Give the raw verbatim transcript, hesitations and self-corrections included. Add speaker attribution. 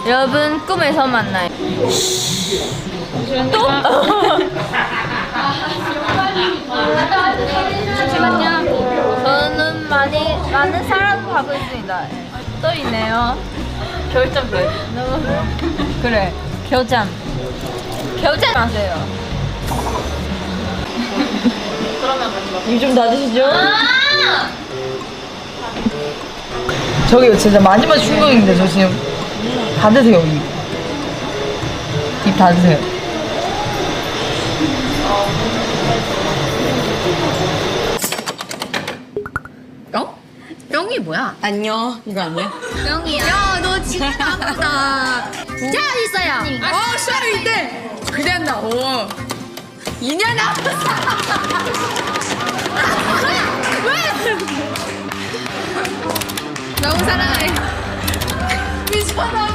Speaker 1: 여러분 꿈에서 만나요. 또? 잠시만요. 저는 많이 많은 사랑을 하고 있습니다. 또 있네요.
Speaker 2: 결점 왜?
Speaker 1: 너무 그래. 겨잠. 겨잠 하세요.
Speaker 2: 그러면 같이 먹
Speaker 3: 입 좀 닫으시죠.
Speaker 1: 아!
Speaker 3: 저기 진짜 마지막 충격인데 저 지금 닫으세요 입. 입 닫으세요.
Speaker 2: 뿅? 뿅이 뭐야?
Speaker 3: 안녕. 이거 아니야?
Speaker 1: 뿅이야.
Speaker 2: 야, 너 진짜 나쁘다.
Speaker 1: 자 있어요.
Speaker 2: 어, 샤를 이때 그래 한다. 오. 이 년 앞에. 왜? 너무 사랑해. 미쳐나.